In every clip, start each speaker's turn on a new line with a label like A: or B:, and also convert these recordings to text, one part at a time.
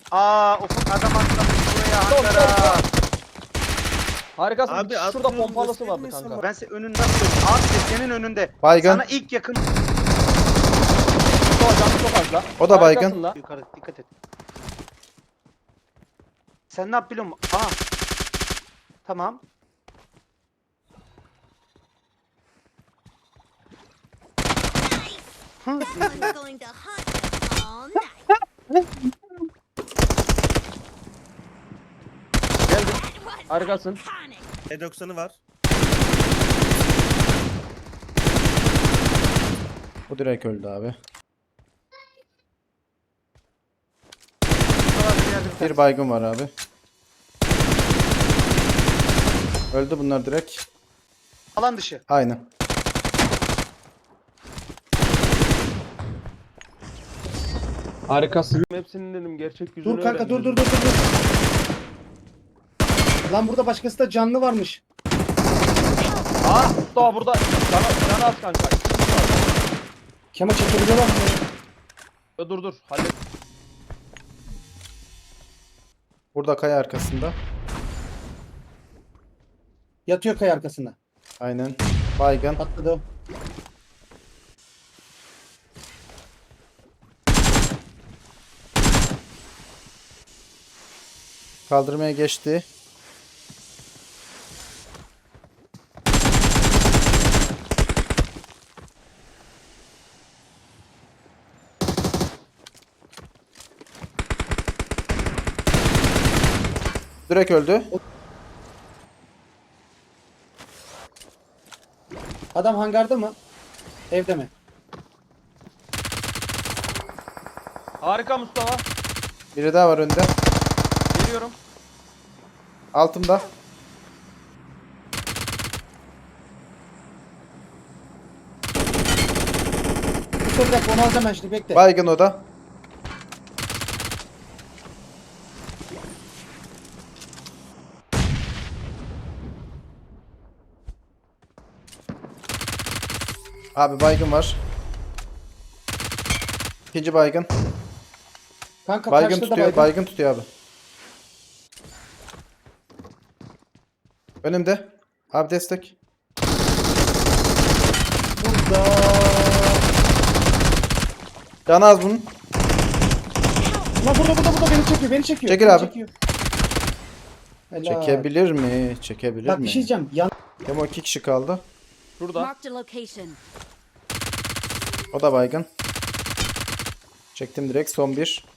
A: Ufuk adam atlamış buraya hangara.
B: Harikasın.
C: Abi,
B: Şurada
C: atlıyorum,
B: pompalısı vardı
C: göstermiyorsun
B: kanka.
A: Ben senin önünden söylüyorum. Abi senin önünde.
D: Baygın.
A: Sana ilk yakın.
B: Mustafa canı çok az la.
D: O da baygın.
B: Harikasın la.
A: Yukarı dikkat et. Sen ne yap biliyor musun? Tamam.
E: Someone's going to hunt us all night.
B: Geldim.
E: That was
B: Harikasın.
E: iconic.
C: E90'ı var.
D: Bu direkt öldü abi. Bir baygın var abi. Öldü bunlar direkt.
A: Alan dışı.
D: Aynen.
B: Harikasın. Hepsinin dedim gerçek yüzünü
F: Dur kanka dur
B: öğrendim.
F: dur dur dur. Lan burada başkası da canlı varmış.
B: Mustafa burada. Canı az kanka.
F: Kema çekebiliyorlar mı?
B: Dur. Hallet.
D: Burada kaya arkasında.
F: Yatıyor kaya arkasında.
D: Aynen. Baygın.
F: Atladı o.
D: Kaldırmaya geçti. Direkt öldü.
F: Adam hangarda mı? Evde mi?
B: Harika Mustafa.
D: Biri daha var önde.
B: Geliyorum.
D: Altımda.
F: Dur bir dakika onu alacağım ben şimdi bekle.
D: Baygın o da. Abi baygın var. İkinci baygın.
F: Kanka
D: Baygın
F: karşıda da
D: tutuyor.
F: baygın.
D: Baygın tutuyor abi. Önümde. Abi destek.
F: Burada.
D: Canı az bunun.
F: Lan burada beni çekiyor.
D: Çekil
F: beni
D: abi.
F: çekiyor. Helal.
D: Çekebilir mi? Çekebilir
F: Bak
D: mi?
F: bir şey diyeceğim.
D: Demo 2 kişi kaldı.
B: Şurada.
E: Marked a location.
D: O da baygın. Çektim direkt. Son bir.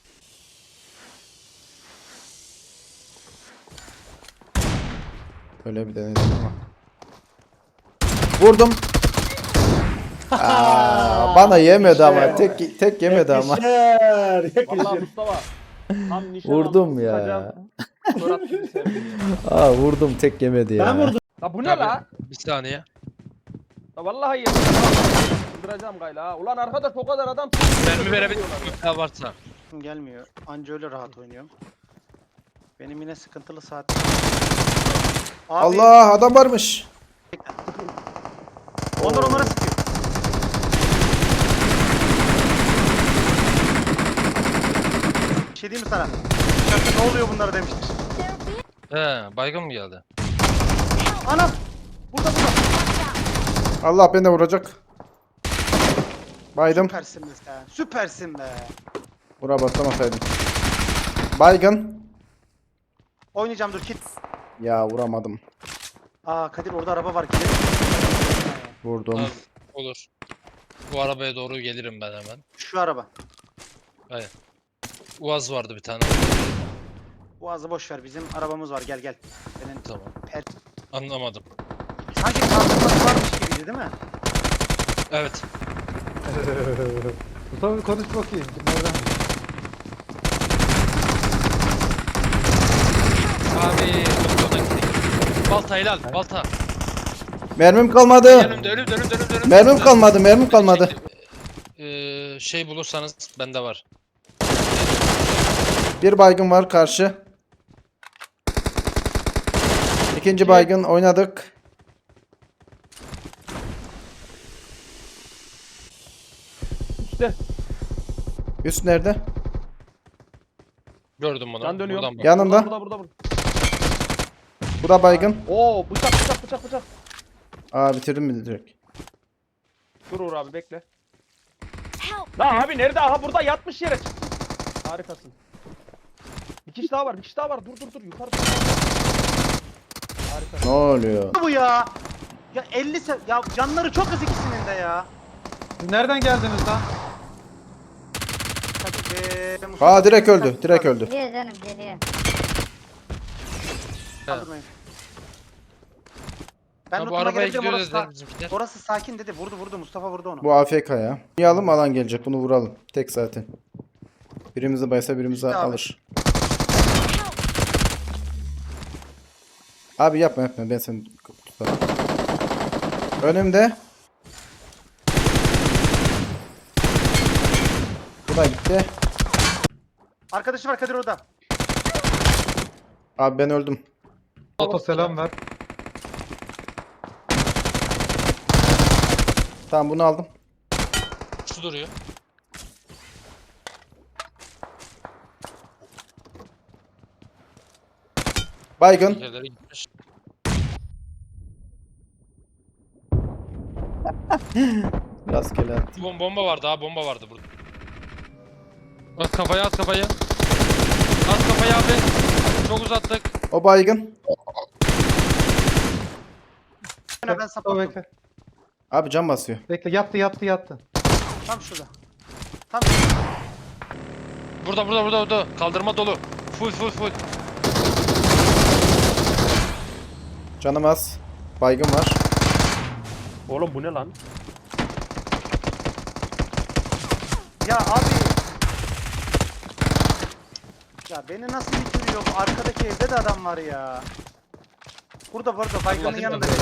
D: Öyle bir denedim ama. Vurdum. Bana yemedi ama. Tek yemedi ama.
F: Yakışır.
B: Vallahi
F: Yakışır.
B: Mustafa. Tam nişan
D: Vurdum
B: aldım,
D: ya.
B: sıkacağım. Murat gibi sevdim ya.
D: Vurdum tek yemedi ya.
F: Ben vurdum.
B: La bu ne
G: Tabii.
B: la?
G: Bir saniye.
B: La vallahi yedim. Öldüreceğim gayla ha. Ulan arkadaş o kadar adam.
G: Mermi verebilir miyim? Ne varsa.
A: Gelmiyor. Anca öyle rahat oynuyorum. Benim yine sıkıntılı saat. Abi,
D: Allah adam varmış.
A: Onlar onlara sıkıyor. Bir şey diyeyim mi sana? Kanka ne oluyor bunlara demiştir.
G: He, baygın mı geldi?
A: Anam! Burada.
D: Allah beni de vuracak. Baydım.
A: Süpersin be sen. Süpersin be.
D: Buna basamasaydım. Baygın.
A: Oynayacağım dur kit.
D: Ya vuramadım.
A: Kadir orada araba var gidelim.
D: Vurdum.
G: Abi, olur. Bu arabaya doğru gelirim ben hemen.
A: Şu araba.
G: Uaz vardı bir tane.
A: Boğazı boş ver bizim arabamız var gel. Benim
G: Tamam.
A: per...
G: Anlamadım.
A: Sanki kalkınması varmış gibiydi değil mi?
G: Evet.
H: Mustafa konuş bakayım.
G: Abi, ona gittik. Balta helal, balta.
D: Mermim kalmadı.
G: Önümde.
D: Mermim kalmadı. Mermim kalmadı.
G: Şey bulursanız bende var.
D: Bir baygın var karşı. İkinci baygın oynadık.
B: İşte.
D: Üst nerede?
G: Gördüm bunu.
B: Can dönüyor.
G: Buradan bak.
D: Yanında.
B: Burada.
D: Bu da baygın.
B: Oo bıçak.
D: Aa bitirdim mi direkt?
B: Dur Uğur abi bekle.
E: Help!
B: Lan abi nerede? Aha burada yatmış yere. Harikasın. Bir kişi daha var. Dur yukarı. Harika.
D: Ne oluyor?
A: Bu ya. Ya 50 ya canları çok az ikisinin de ya.
F: Siz nereden geldiniz lan?
A: Mustafa,
D: Aa direkt öldü. Direkt öldü.
E: Geliyor canım geliyor.
A: Kaldırmayın. Ben
G: Ha, bu
A: lootuma
G: arabaya
A: gelebilirim,
G: gidiyor
A: orası,
G: dediler bizimkiler.
A: orası sakin dedi. Vurdu Mustafa vurdu onu.
D: Bu AFK ya. Yalım alan gelecek. Bunu vuralım. Tek zaten. Birimizi baysa birimizi
A: İşte abi.
D: alır. Abi yapma. Ben seni tutarım. Önümde. Bu da gitti.
A: Arkadaşı var Kadir orada.
D: Abi ben öldüm.
F: Baba selam ver.
D: Tamam bunu aldım.
G: Şu duruyor.
D: Baygın.
G: Yerlere gitmiş.
D: Rastgele attı.
G: Bomba vardı ha, bomba vardı burada. At kafaya. At kafayı abi. Çok uzattık.
D: O baygın.
A: Ben
F: O
A: saplattım.
F: bekle.
D: Abi cam basıyor.
F: Bekle yattı.
A: Tam şurada. Tam
G: Burada. Kaldırma dolu. Full.
D: Canım az. Baygın var.
B: Oğlum bu ne lan?
A: Ya abi. Ya beni nasıl bitiriyor? Arkadaki evde de adam var ya. Burada baygının
G: Allah'ım
A: yanında.
G: ya.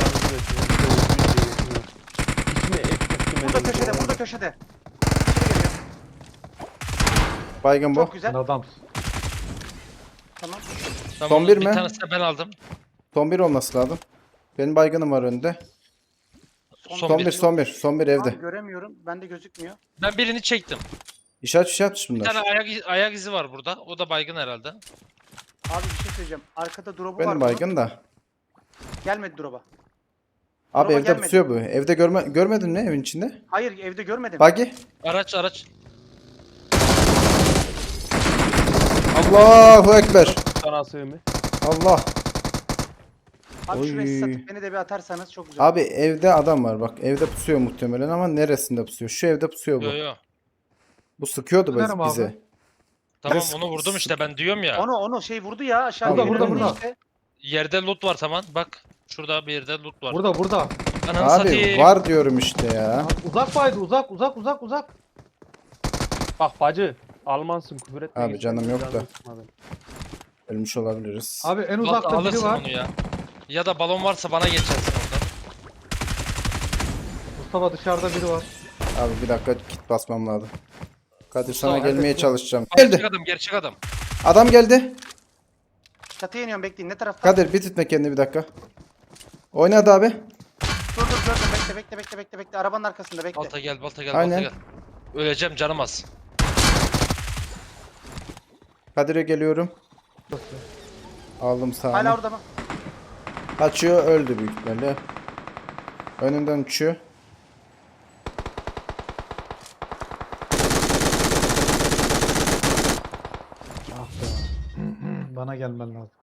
A: Burada köşede. İçeri geliyor.
D: Baygın bu.
A: Çok güzel.
F: Sen adamsın.
A: Tamam.
G: Tamam,
D: Son bir
G: bir
D: mi?
G: tanesini ben aldım.
D: Son bir olması lazım. Benim baygınım var önde. Son bir evde.
A: Abi göremiyorum. Bende gözükmüyor.
G: Ben birini çektim.
D: İşaret
G: Bir
D: bunlar.
G: tane ayak izi var burada. O da baygın herhalde.
A: Abi bir şey söyleyeceğim. Arkada drop'u var.
D: Benim
A: bunun.
D: baygın da.
A: Gelmedi drop'a.
D: Abi
A: Drop'a
D: evde
A: gelmedi.
D: pusuyor bu. Evde görmedin mi evin içinde?
A: Hayır evde görmedim.
D: Buggy.
G: Araç.
D: Allahu Ekber.
B: Sana sığımı.
D: Allah.
A: Abi şurayı
D: Oy.
A: satıp beni de bir atarsanız çok güzel.
D: Abi evde adam var bak. Evde pusuyor muhtemelen ama neresinde pusuyor? Şu evde pusuyor bu.
G: Yo.
D: Bu sıkıyordu
F: Önerim abi.
D: bize.
G: Tamam
D: Ben
G: onu vurdum işte, ben diyorum ya.
A: Onu şey vurdu ya aşağı.
D: Burada,
A: geri
D: burada,
A: döndü
F: burada.
A: işte.
G: Yerde loot var tamam. Bak. Şurada bir yerde loot var.
F: Burada.
G: Ananı
D: Abi
G: satayım.
D: var diyorum işte ya.
F: Uzak baydı uzak.
B: Bak bacı. Almansın küfür etme.
D: Abi canım yok da.
B: Canını sıkma beni.
D: Ölmüş olabiliriz.
F: Abi en
G: Balta
F: uzakta biri
G: alırsın
F: var.
G: onu ya. Ya da balon varsa bana geçersin oradan.
F: Mustafa dışarıda biri var.
D: Abi bir dakika kit basmam lazım. Kadir sana
G: Tamam,
D: gelmeye
F: hadi.
D: çalışacağım.
G: Gerçek
D: Geldi.
G: gerçek adam.
D: Adam geldi.
A: Çatıya iniyorum bekleyin. Ne tarafta?
D: Kadir bir tutma kendini bir dakika. Oynadı abi.
A: Dur gördüm. Bekle. Arabanın arkasında bekle.
G: Balta gel.
D: Aynen.
G: Balta gel. Öleceğim, canım az.
D: Kadir'e geliyorum. Aldım
A: Hala
D: sağını.
A: orada mı?
D: Açıyor öldü büyük ihtimalle. Önünden uçuyor.
F: Ah be. Bana gelmen lazım.